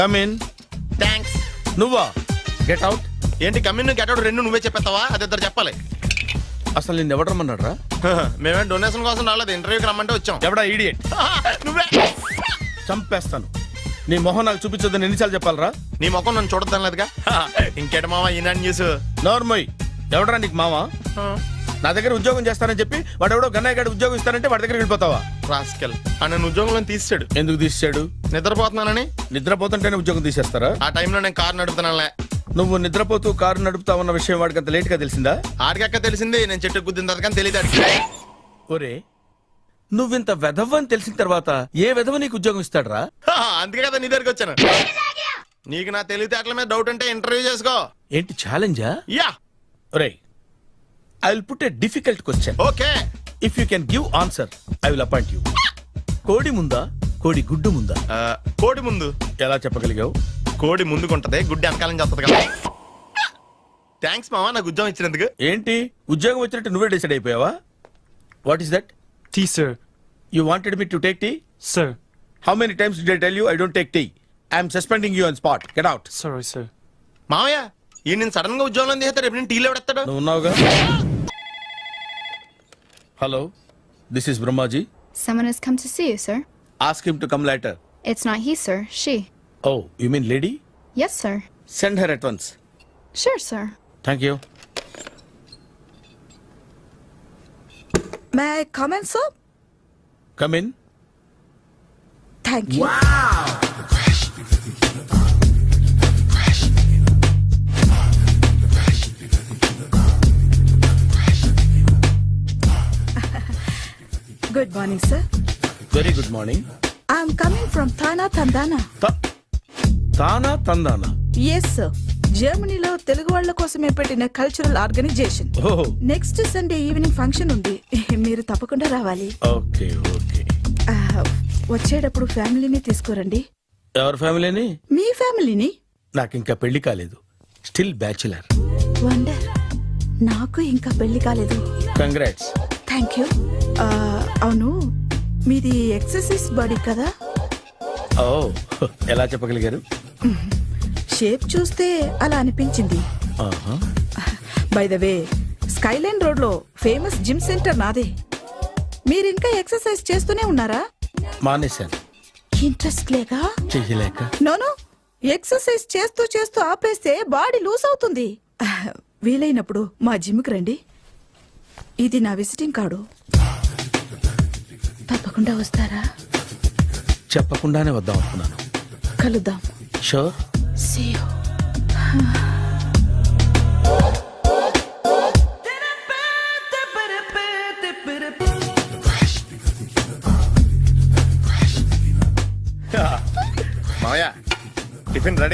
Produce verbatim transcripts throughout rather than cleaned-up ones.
Come in. Thanks. నువ్వా? Get out. ఏంటి come on get out రెండు నువ్వే చెప్పేస్తావా? అది ఇద్దరు చెప్పాలి. అసలు నిన్ను ఎవడు రమ్మన్నాడు రా? మేమే డొనేషన్ కోసం రాలేదు, ఇంటర్వ్యూకి రమ్మంటే వచ్చాం. ఎవడా ఈడియట్? నువ్వే. చంపేస్తాను. నీ మొహం నాకు చూపించొద్దని ఎన్నిసార్లు చెప్పాలరా? నీ ముఖం నన్ను చూడద్దాం లేదుగా. ఇంకేట మామ ఈనాడు న్యూస్. నోర్మోయ్. ఎవడరా నీకు మావా? నా దగ్గర ఉద్యోగం చేస్తానని చెప్పి వాడు ఎవడో గన్నయ్య గడి ఉద్యోగం ఇస్తానంటే వాడి దగ్గర వెళ్ళిపోతావా? రాస్కెల్. ఆ నన్ను ఉద్యోగంలో తీసాడు. ఎందుకు తీసాడు? నిద్రపోతున్నానని. నిద్రపోతుంటేనే ఉద్యోగం తీసేస్తారా? ఆ టైంలో నేను కారు నడుపుతున్నానులే. నువ్వు నిద్రపోతూ కారు నడుపుతావన్న విషయం వాడికి అంత లేట్ గా తెలిసిందా? ఆడికక్క తెలిసింది, నేను చెట్టు గుద్దిన తర్వాత కానీ తెలియదు. ఒరే, నువ్వింత వెధవ్ అని తెలిసిన తర్వాత ఏ వెధవ నీకు ఉద్యోగం ఇస్తాడరా? అందుకే కదా నీ దగ్గరికి వచ్చాను. నీకు నా తెలివితేటల మీద డౌట్ అంటే ఇంటర్వ్యూ చేసుకో. ఏంటి ఛాలెంజా? యా. ఒరే, I will put a difficult question. Okay. If you can give answer I will appoint you. కోడి ముందా, కోడి గుడ్డు ముందా? కోడి ముందు. ఎలా చెప్పగలిగావు? కోడి ముందుకుంటది, గుడ్డి వెనకాలం చేస్తుంది కదా. థ్యాంక్స్ మామా నాకు ఉద్యోగం ఇచ్చినందుకు. ఏంటి ఉద్యోగం వచ్చినట్టు నువ్వే డిసైడ్ అయిపోయావా? What is that? Tea, sir. You wanted me to take tea? Sir. How many times did I tell you I don't take tea? I am suspending you on spot. Get out. Sorry, sir. మామయ్య ఈ నేను sudden గా ఉద్యోగంలో తీస్తాడు. రేపు నేను టీలో పెడతాడు. నువ్వు ఉన్నావుగా. Hello, this is Brahmaji. Someone has come to see you, sir. Ask him to come later. It's not he, sir. She. Oh, you mean lady? Yes, sir. Send her at once. Sure, sir. Thank you. May I come in, sir? Come in. Thank you. Good morning, sir. Very good morning. I'm coming from Thana Tandana. Ta- Tana Tandana. Yes, sir. జర్మనీలో తెలుగు వాళ్ళ కోసమే పెట్టిన cultural organisation. Oh, next Sunday evening function ఉంది, మీరు తప్పకుండా రావాలి. okay, okay. ఆ, వచ్చేటప్పుడు ఫ్యామిలీని తీసుకురండి. ఎవరి ఫ్యామిలీని? మీ ఫ్యామిలీని. నాకు ఇంకా పెళ్లి కాలేదు. Still bachelor. వండర్. నాకు ఇంకా పెళ్లి కాలేదు. కంగ్రాట్స్. Thank you. అవును, మీది ఎక్సర్సైజ్ బాడీ కదా? ఓ, ఎలా చెప్పగలిగారు? షేప్ చూస్తే అలా అనిపించింది. ఆహా. By the way, skyline road లో ఫేమస్ జిమ్ సెంటర్ నాదే. మీరు ఇంకా ఎక్సర్సైజ్ చేస్తూనే ఉన్నారా? మానేశాను. ఇంట్రెస్ట్ లేక? చెయ్యలేక. నోను, ఎక్సర్సైజ్ చేస్తూ చేస్తూ ఆపేస్తే బాడీ లూజ్ అవుతుంది. వీలైనప్పుడు మా జిమ్కి రండి. ఇది నా విజిటింగ్ కార్డు. తప్పకుండా వస్తారా? చెప్పకుండానే వద్దాం అనుకున్నాను. కలుద్దాం. షూర్. See you. మామయ్య టిఫిన్ రెడీ.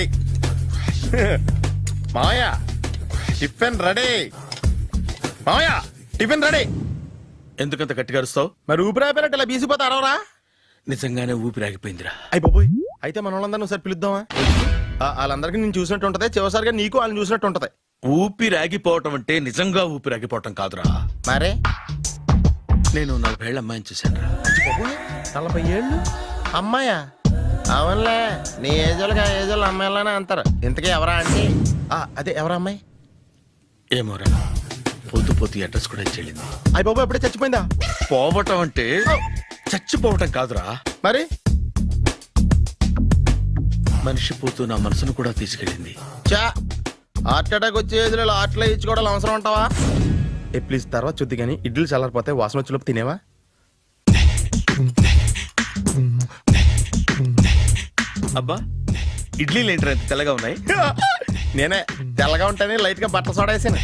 మామయ్య టిఫిన్ రెడీ. మామయ్య టిఫిన్ రెడీ. ఎందుకంత గట్టిగా అరుస్తావు? మరి ఊపిరాయిపోయినట్టు ఇలా బీసిపోతే అరవరా? నిజంగానే ఊపిరాగిపోయిందిరా. అయ్యి బాబోయ్, అయితే మన వాళ్ళందరినీ ఒకసారి పిలుద్దామా? ఆ, వాళ్ళందరికీ నేను చూసినట్టు ఉంటది, చివరిసారిగా నీకు వాళ్ళని చూసినట్టు ఉంటది. ఊపిరాగిపోవటం అంటే నిజంగా ఊపిరాగిపోవటం కాదురా. మరే నేను నలభై ఏళ్ళ అమ్మాయిని చూశాను రా. నలభై ఏళ్ళు అమ్మాయా? అవునులే, నీ ఏజోళ్ళకి ఆ ఏజోళ్ళు అమ్మాయిలానే అంటారు. ఇంతకీ ఎవరా అంటే? అదే ఎవరా అమ్మాయి? ఏమోరా, పొద్దు పొద్దు అడ్రస్ కూడా చెల్లింది. అయ్యి బాబు ఎప్పుడే చచ్చిపోయిందా? పోవటం అంటే చచ్చిపోవటం కాదురా. మరి మనిషి పోతూ నా మనసును కూడా తీసుకెళ్ళింది. చా, హార్ట్ అటాక్ వచ్చే ఏజ్లో హార్ట్లో ఇచ్చుకోవడం అవసరం ఉంటావా? ఏ ప్లీజ్ తర్వాత చూద్ది కానీ ఇడ్లీలు చల్లారిపోతే వాసన వచ్చేలోపు తినేవా? అబ్బా, ఇడ్లీలు ఏంట్రా ఇంత తెల్లగా ఉన్నాయి? నేనే తెల్లగా ఉంటానే లైట్ గా బట్టలు సోడా వేసాను.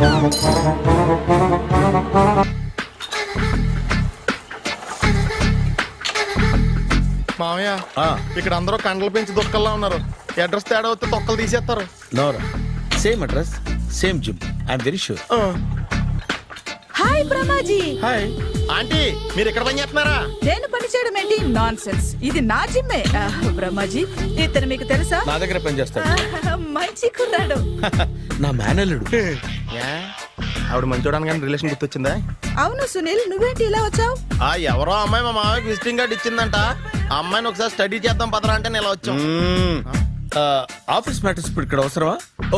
మామయ్య, ఇక్కడ అందరూ కండలు పెంచి దుక్కల్లా ఉన్నారు. అడ్రస్ తేడా వస్తే తొక్కలు తీసేస్తారు. నోరా, same address, same gym. I'm very sure. Hi Brahmaji. Hi aunty, మీరు ఇక్కడ పని చేస్తున్నారా? నేను పని చేయడం ఏంటి? Nonsense. ఇది నా జిమ్మే. బ్రహ్మాజీ, ఇతను మీకు తెలుసా? నా దగ్గర పని చేస్తాడు. మంచి కుర్రాడు. నా మేనల్లుడు. ఆవిడ మంచోడానికి కానీ రిలేషన్ గుర్తొచ్చిందా? అవును సునీల్, నువ్వేంటి ఇలా వచ్చావు? ఆ ఎవరో అమ్మాయి మా మామయ్యకి విజిటింగ్ కార్డు ఇచ్చిందంట. ఆ అమ్మాయిని ఒకసారి స్టడీ చేద్దాం పదరా అంటే నేను ఇలా వచ్చాం. ఆఫీస్ మ్యాటర్స్ ఇప్పుడు ఇక్కడ అవసరమా ఓ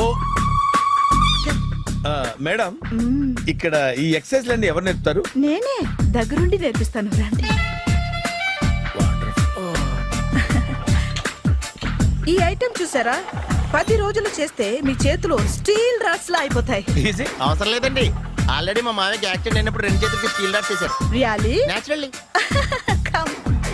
ఆ, మేడం మ్మ్. ఇక్కడ ఈ ఎక్సర్సైజ్ లన్నీ ఎవరు నేర్పుతారు నేనే దగ్గరుండి నేర్పిస్తాను రండి. ఈ ఐటెం చూసారా, పది రోజులు చేస్తే మీ చేతులు స్టీల్ రాట్స్ లా అయిపోతాయి. ఈజీ అవసరం లేదండి, ఆల్రెడీ మా మామయ్యకి యాక్సిడెంట్ అయినప్పుడు రెండు చేతులకి స్టీల్ డాట్ చేశారు. Really naturally. కమ్.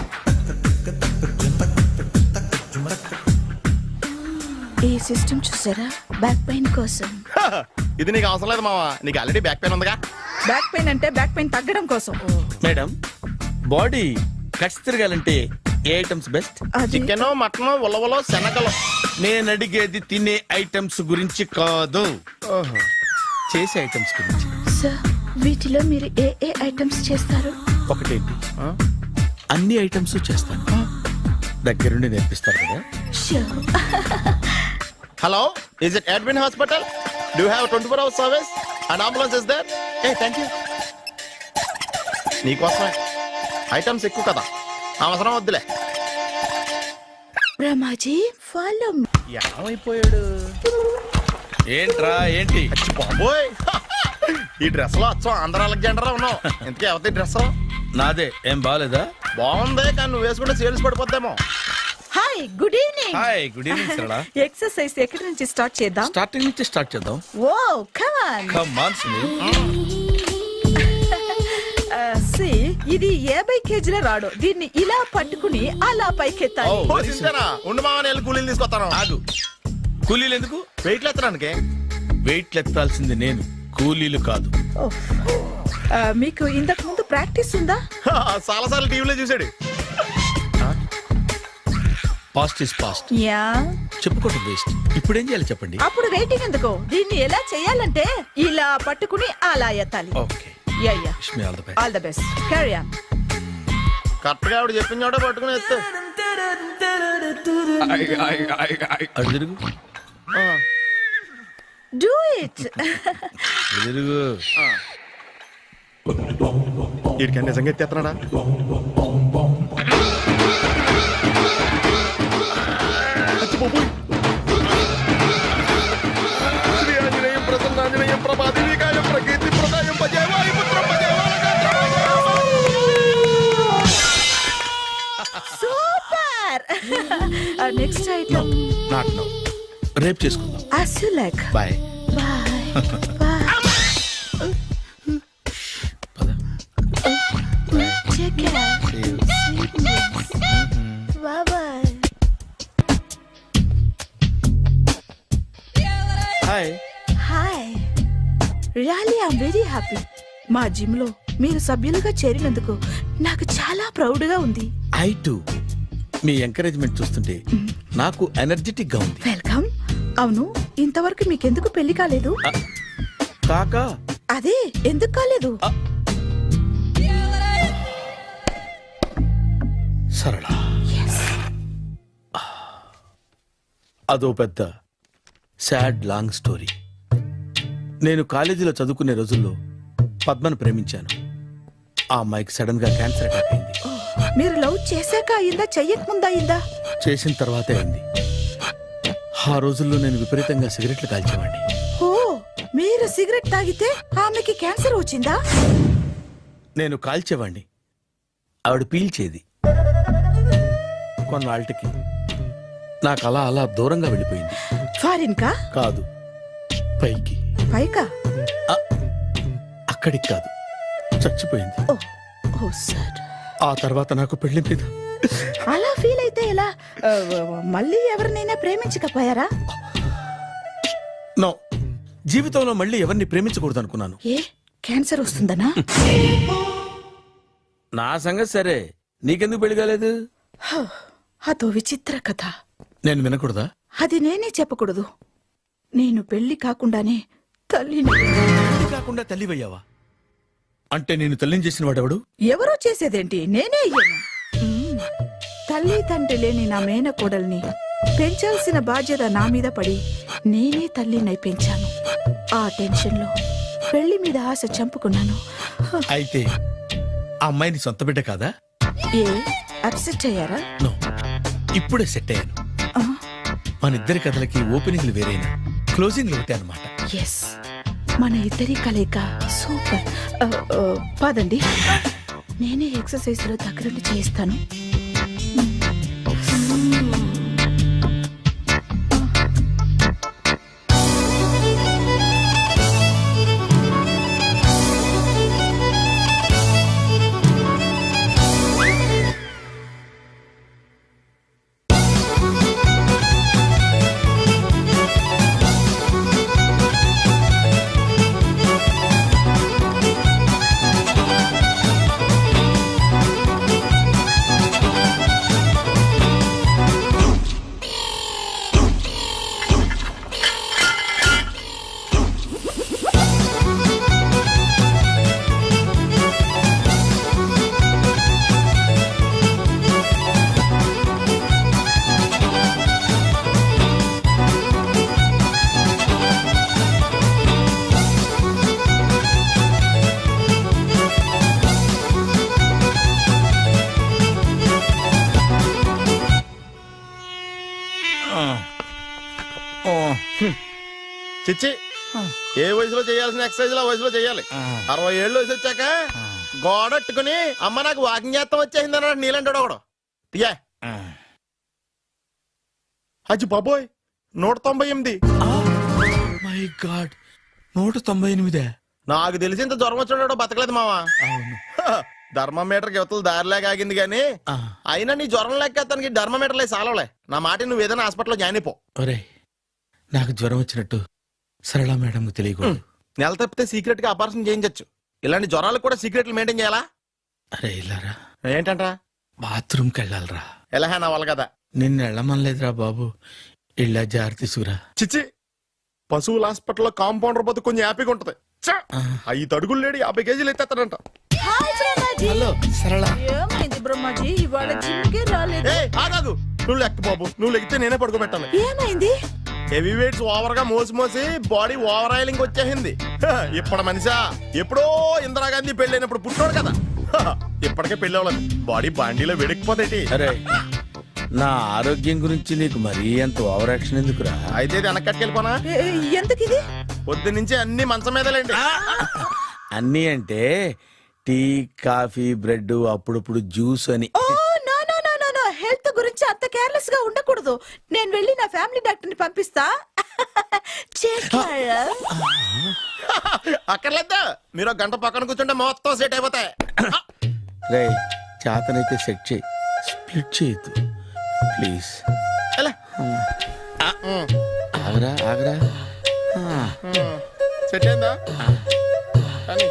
ఈ సిస్టమ్ చూసారా, బ్యాక్ పెయిన్ కోసం. ఇది నీకు అవసరం లేదు మావా, నీకు ఆల్రెడీ బ్యాక్ పెయిన్ ఉందిగా. బ్యాక్ పెయిన్ అంటే బ్యాక్ పెయిన్ తగ్గడం కోసం. మేడం బాడీ కట్స్ తిరగాలంటే ఏ ఐటమ్స్ బెస్ట్ అది చికెన్, మటన్, ఉలవలో, శనగలు. నేను అడిగేది తినే ఐటమ్స్ గురించి కాదు, చేసే ఐటమ్స్ గురించి. సార్ వీటిలో మీరు ఏ ఏ ఐటమ్స్ చేస్తారు? ఒకటేంటి, అన్ని ఐటమ్స్ చేస్తాను. దగ్గరుండి నేర్పిస్తారు కదా. Sure. Hello, is it admin hospital? Do have twenty four hours service and ambulance is there? ఏ థ్యాంక్ యూ. నీకోసమే ఐటమ్స్ ఎక్కువ కదా, అవసరం వద్దులే. రమాజీ ఫాలో. ఏమైపోయాడు ఏంట్రా ఏంటి? బాబోయ్, ఈ డ్రెస్ లో అచ్చం ఆంధ్ర అలెగ్జాండర్ ఉన్నావు. ఇంతకీ ఎవరి డ్రెస్? నాదే. ఏం బాగాలేదా? బాగుంది, కానీ నువ్వు వేసుకుంటే సేల్స్ పడిపోద్దేమో. Hi, good evening. Hi, good evening Sarala. Exercise ఎక్కడి నుంచి స్టార్ట్ చేద్దాం? స్టార్టింగ్ నుంచి స్టార్ట్ చేద్దాం. Oh come on. Come on Sunil. See ఇది యాభై కేజీల రాడు, దీన్ని ఇలా పట్టుకుని అలా పైకెత్తాలి. Oh. ఓ, సింతేనా? ఉండు మామ, నేను వెళ్ళి కూలీలు తీసుకొస్తాను. ఆగు. కూలీలు ఎందుకు? వెయిట్ ఎత్తడానికి. వెయిట్ ఎత్తాల్సింది నేను, కూలీలు కాదు. ఓహ్. ఆ, మీకు ఇంతకు ముందు ప్రాక్టీస్ ఉందా? చాలా సార్లు టీవీలో చూసాడు. Past is past, yeah. చెప్పుకోవడం వేస్ట్. ఇప్పుడు ఏం చేయాలి చెప్పండి. అప్పుడు వెయిటింగ్ ఎందుకు? దీన్ని ఎలా చేయాలంటే ఇలా పట్టుకుని అలా ఎత్తాలి. Okay, yeah yeah. Wish me all the best. All the best. Carry on. Correct గా ఆవిడ చెప్పిన చోట పట్టుకుని ఎత్తు. అటు తిరుగు, డూ ఇట్. అటు తిరుగు. వీడికి నిజంగా ఎత్తేస్తున్నాడా? శ్రీ ఆంజనేయం ప్రసన్నాంజనేయం ప్రభాదేవికాయం ప్రకీర్తి ప్రదాయం భజే వాయుపుత్రం భజే super. Next item not now, రేపు చేసుకుందాం. as you like. Bye. Bye. Bye. పద. Take care. See you. Bye bye. Hi. Hi. Really I'm very happy. మా జిమ్ లో మీరు సభ్యులుగా చేరినందుకు నాకు చాలా ప్రౌడ్ గా ఉంది. I to. మీ ఎంకరేజ్మెంట్ చూస్తుంటే నాకు ఎనర్జెటిక్ గా ఉంది. వెల్కమ్. అవును, ఇంతవరకు మీకెందుకు పెళ్లి కాలేదు? కాకా అదే ఎందుకు కాలేదు? సరళ, అదో పెద్ద సాడ్ లాంగ్ స్టోరీ. నేను కాలేజీలో చదువుకునే రోజుల్లో పద్మను ప్రేమించాను. ఆ అమ్మాయికి సడన్ గా క్యాన్సర్ అటాక్ అయింది. మీరు లవ్ చేశాక అయిందా, చెయ్యక ముందా అయిందా? చేసిన తర్వాతే అయింది. ఆ రోజుల్లో నేను విపరీతంగా సిగరెట్లు కాల్చేవాడిని. ఓ, మీరు సిగరెట్ తాగితే ఆమెకి క్యాన్సర్ వచ్చిందా? నేను కాల్చేవాడిని, ఆవిడ పీల్చేది. కొన్నాళ్ళకి నాకు అలా అలా దూరంగా వెళ్ళిపోయింది. ఫారిన్ కా? కాదు, పైకి. పైకా? ఆ, అక్కడికి కాదు, చచ్చిపోయింది. Oh oh sir. ఆ తర్వాత నాకు పెళ్లి మీద అలా ఫీల్ అయితే ఎలా? ఆ, మళ్ళీ ఎవరినైనా ప్రేమించకపోయారా? నో, జీవితంలో మళ్ళీ ఎవరిని ప్రేమించకూడదు అనుకున్నాను. ఏ, క్యాన్సర్ వస్తుందనా? నా సంగతి సరే, నీకెందుకు పెళ్లి కాలేదు? హ, అదో విచిత్ర కథ. నేను వినకూడదా? అది నేనే చెప్పకూడదు. నేను పెళ్లి కాకుండానే తల్లిని. పెళ్లి కాకుండా తల్లివయ్యావా? అంటే నేను తల్లిని చేసిన వాడెవడు? ఎవరో చేసేదేంటి, నేనే అయ్యాను. మ్మ్. తల్లి తండ్రి లేని నా మేనకోడల్ని పెంచాల్సిన బాధ్యత నా మీద పడి నేనే తల్లినై పెంచాను. ఆ టెన్షన్లో పెళ్లి మీద ఆశ చంపుకున్నాను. హ, అయితే ఆ అమ్మాయిని సొంత బిడ్డ కాదా? ఏ అప్సెట్ అయ్యారా? నో, ఇప్పుడే సెట్ అయ్యాను. ఆ, మన ఇద్దరి కథలకి ఓపెనింగ్లు వేరైనా క్లోజింగ్లు ఒకటే అనమాట. ఎస్, మన ఇద్దరి కలయిక సూపర్. ఆ, ఆ, పదండి, నేనే ఎక్సర్సైజ్ లో దగ్గరుండి చేయిస్తాను. చిచ్చి, ఏ వయసులో చేయాల్సిన ఎక్సర్సైజ్ ఆ వయసులో చేయాలి. అరవై ఏళ్ళు వయసు వచ్చాక గోడట్టుకుని అమ్మ నాకు వాకింగ్ చేస్తాం వచ్చేసింది అన్నాడు నీలంటాడు ఒకడు. తీయా అచ్చి బాబోయ్, నూట తొంభై ఎనిమిది. మై గాడ్, నూట తొంభై ఎనిమిదే. నాకు తెలిసి ఇంత జ్వరం వచ్చాడో బతకలేదు మావా. అవును. ధర్మమీటర్ యువతలు దారిలేక ఆగింది గాని ఆ. అయినా నీ జ్వరం లేక అతనికి ధర్మమీటర్లే సాలవలే. నా మాట నువ్వు ఏదైనా హాస్పిటల్లో జాయిన్ అయిపో. ఒరే, నాకు జ్వరం వచ్చినట్టు సరళ మేడం తెలియకూడదు. నెల తప్పితే సీక్రెట్ గా ఆపరేషన్ చేయించచ్చు. ఇలాంటి జ్వరాలకు కూడా సీక్రెట్లు మెయింటైన్ చేయాలా? అరే ఇల్లారా, ఏంటంటా? బాత్రూమ్కి వెళ్ళాలరా. ఎలాహే నా వాళ్ళ కదా. నిన్ను వెళ్ళమనలేదురా బాబు, ఇళ్ళ జారి తీసుకురా. చిచ్చి, పశువుల హాస్పిటల్లో కాంపౌండర్ బతు కొంచెం హ్యాపీగా ఉంటది. చ్చ! ఐదు అడుగులు లేడి యాభై కేజీలు ఎత్తేస్తాడంట. హలో సరళ. ఏమైంది బ్రహ్మాజీ, ఇవాళ జిమ్కే రాలేదు? ఏ ఆగాగు, నువ్వు లెక్క బాబు. నువ్వు లెక్కితే నేనే పడుకోబెట్టాలి. ఏమైంది? హెవీ వెయిట్స్ ఓవర్ గా మోసి మోసి బాడీ ఓవర్ ఆయిలింగ్ వచ్చేసింది. హ, ఇప్పుడు మనిషా ఎప్పుడో ఇందిరాగాంధీ పెళ్ళైనప్పుడు పుట్టాడు కదా. హ, ఇప్పటికే పెళ్ళి అవ్వలేదు, బాడీ బాండీలో వెడికిపోతేటి. అరే, నా ఆరోగ్యం గురించి నీకు మరీ అంత ఓవర్ యాక్షన్ ఎందుకురా? అయితే ఇది వెనకట్టుకెళ్ళిపోనా? ఏ, ఎందుకు ఇది? పొద్దు నుంచి అన్ని మంచం మీదలేండి. అన్నీ అంటే టీ, కాఫీ, బ్రెడ్, అప్పుడప్పుడు జ్యూస్ అని. Oh no no no no no, health గురించి అంత కేర్లెస్ గా ఉండకూడదు. నేను వెళ్ళి నా ఫ్యామిలీ డాక్టర్ ని పంపిస్తా. చేస్తారా? అక్కర్లేదా, మీరు ఒక గంట పక్కన కూర్చుంటే మొత్తం సెట్ అయిపోతాయి. రే, చేతనైతే సెట్ చేయి, స్ప్లిట్ చేయొద్దు ప్లీజ్. ఎలా? ఆగరా ఆగరా. ఆ, సెట్ అయిందా? కానీ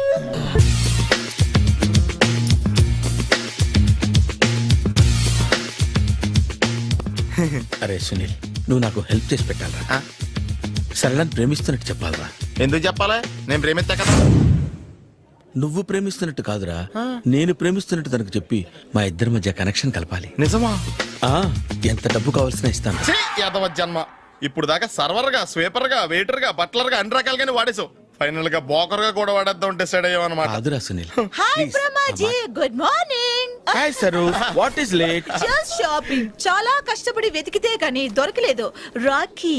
అరే సునీల్, నువ్వు నాకు హెల్ప్ చేసి పెట్టాలరా. సరళని ప్రేమిస్తున్నట్టు చెప్పాలరా. ఎందుకు చెప్పాలి? నేను ప్రేమిస్తా కదా. నువ్వు ప్రేమిస్తున్నట్టు కాదురా, నేను ప్రేమిస్తున్నట్టు తనకు చెప్పి మా ఇద్దరి మధ్య కనెక్షన్ కలపాలి. నిజమా? ఆ, ఎంత డబ్బు కావాల్సిన ఇస్తాను. ఛీ, యాదవ జన్మ. ఇప్పుడు దాకా సర్వర్ గా, స్వీపర్ గా, వెయిటర్ గా, బట్లర్ గా అన్ని రకాలుగానే వాడేసావు. ఫైనల్ గా బోకర్ గా కూడా వాడేద్దాం డిసైడ్ అయ్యావు అనమాట. కాదురా Sunil. Hi Brahmaji, good morning. Hi sir, what is late? Just shopping. చాలా కష్టపడి వెతికితే కానీ దొరకలేదు. రాఖీ.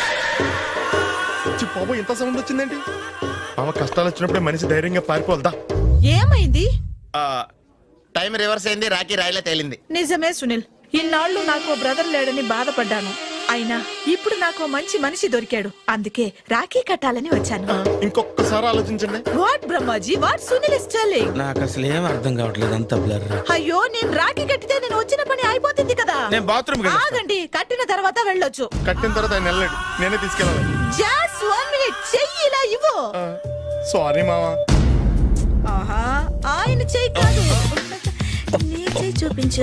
బాబు, ఇంత సౌండ్ వచ్చిందేంటి? మామ కష్టాలు వచ్చినప్పుడే మనిషి ధైర్యంగా పారిపోవద్దా. ఏమైంది? టైం రివర్స్ అయింది, రాఖీ రాయిలా తేలింది. నిజమే సునీల్, ఇన్నాళ్ళు నాకు బ్రదర్ లేడని బాధపడ్డాను. అయినా ఇప్పుడు నాకు మంచి మనిషి దొరికాడు. అందుకే రాఖీ కట్టాలని వచ్చాను. ఇంకొకసారి ఆలోచించండి. What Brahmaji, what Sunil is telling? నాకు అసలు ఏం అర్థం కావట్లేదు, అంత బ్లర్. అయ్యో, నేను రాఖీ కట్టితే నేను వచ్చిన పని అయిపోతుంది కదా. నేను బాత్రూమ్ ఆగండి, కట్టిన తర్వాత వెళ్ళొచ్చు. కట్టిన తర్వాత ఆయన వెళ్ళాడు, నేనే తీసుకెళ్ళాలి. జస్ట్ వన్ మినిట్, చెయ్యి ఇలా ఇవ్వు. సారీ మామా. ఆహా, ఆయన చెయ్యి కాదు, నీ చెయ్యి చూపించు.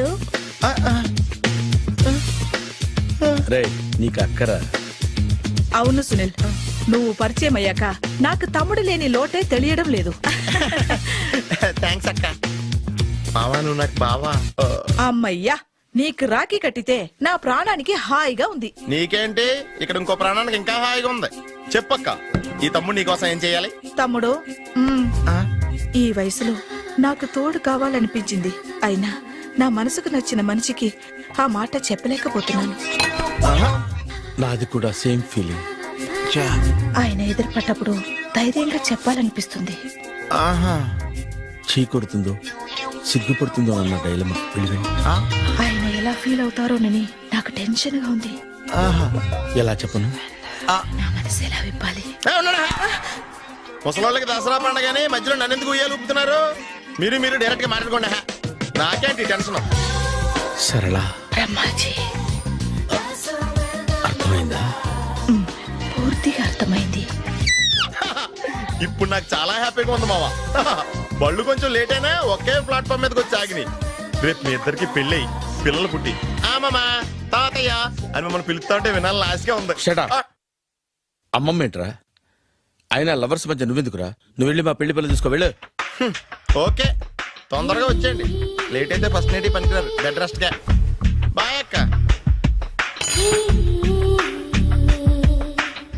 రే, నీకు అక్కరా? అవును సునీల్, నువ్వు పరిచయం అయ్యాక నాకు తమ్ముడు లేని లోటే తెలియడం లేదు. థ్యాంక్స్ అక్క. మావా, నువ్వు నాకు బావా. అమ్మయ్యా, నీకు రాఖీ కట్టితే నా ప్రాణానికి హాయిగా ఉంది. నీకేంటి, ఇక్కడ ఇంకో ప్రాణానికి ఇంకా హాయిగా ఉంది. చెప్పక్క, ఈ తమ్ముడు నీకోసం ఏం చేయాలి? తమ్ముడు, మ్మ్, ఈ వయసులో నాకు తోడు కావాలనిపించింది. అయినా నా మనసుకు నచ్చిన మనిషికి ఆ మాట చెప్పలేకపోతున్నాను. నాది కూడా సేమ్ ఫీలింగ్. ఆయన ఎదురుపడ్డప్పుడు ధైర్యంగా చెప్పాలనిపిస్తుంది. ఆహా చీ కొడుతుందో సిగ్గుపడుతుందో అన్న డైలమా వెళ్ళిపోయి. ఆ, ఆయన ఎలా ఫీల్ అవుతారోనని నాకు టెన్షన్ గా ఉంది. ఆహా ఎలా చెప్పను? నా మనసు ఎలా విప్పాలి? ఏ, ఉన్నాడా? ముసలోళ్ళకి దసరా పండగని మధ్యలో నన్ను ఎందుకు ఉయ్యాలు ఊపుతున్నారు? మీరు మీరు డైరెక్ట్ గా మాట్లాడుకోండి. హా. నాకేంటి టెన్షన్? సరళ బ్రహ్మాజీ, అర్థమైందా? పూర్తిగా అర్థమైంది. ఇప్పుడు నాకు చాలా హ్యాపీగా ఉంది మావా. బళ్ళు కొంచెం లేట్ అయినా ఒకే ప్లాట్ఫామ్ మీదకి వచ్చి ఆగినాయి. రేపు మీ ఇద్దరికి పెళ్ళి పిల్లలు పుట్టి ఆమమ్మా తాతయ్య అని మమ్మల్ని పిలుస్తా ఉంటే వినాలని ఆశగా ఉంది. Shut up. ఆ, అమ్మమ్మ ఏంట్రా? అయినా లవర్స్ మధ్య నువ్వెందుకురా? నువ్వు వెళ్ళి మా పెళ్లి పిల్లలు తీసుకో వెళ్ళు. ఓకే తొందరగా వచ్చేయండి. లేట్ అయితే ఫస్ట్ నైట్ పనికిరారు. బెడ్ రెస్ట్ గా.